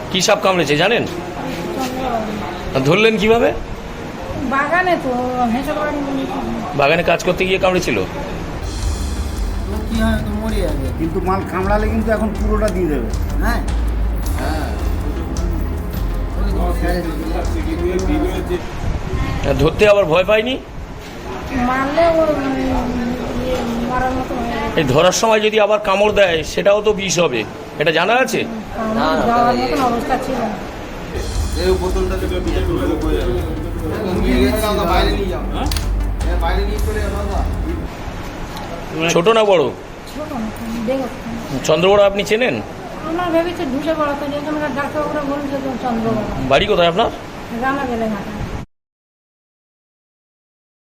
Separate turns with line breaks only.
কি সাপ কামড়েছে জানেন? ধরলেন কিভাবে?
বাগানে তো
বাগানে কাজ করতে গিয়ে কামড়েছিল।
কি হয় তো মরে যাবে,
কিন্তু মাল কামড়ালে কিন্তু এখন পুরোটা দিয়ে দেবে।
হ্যাঁ
ধরতে আবার ভয় পায়নি?
মারলে ও মারার মতো হয়ে যাবে।
এই ধরার সময় যদি আবার কামড় দেয় সেটাও তো বিষ হবে, এটা জানা আছে?
আমার যাওয়ার মতন অবস্থা ছিল না।
এই বোতলটা থেকে নিয়ে গেছে বাইরে নিয়ে যাও, হ্যাঁ বাইরে নিয়ে চলে যাও দাদা।
ছোট না বড়?
ছোট না, দেখো
চন্দ্রবড়া আপনি চেনেন?
আমরা ভেবেছি ঢুসে পড়াতে, যেখানকার ডাক্তারবাবুরা বলছে তো চন্দ্রবাবু
বাড়ি কোথায় আপনার?
জানা গেলে ঘাটা।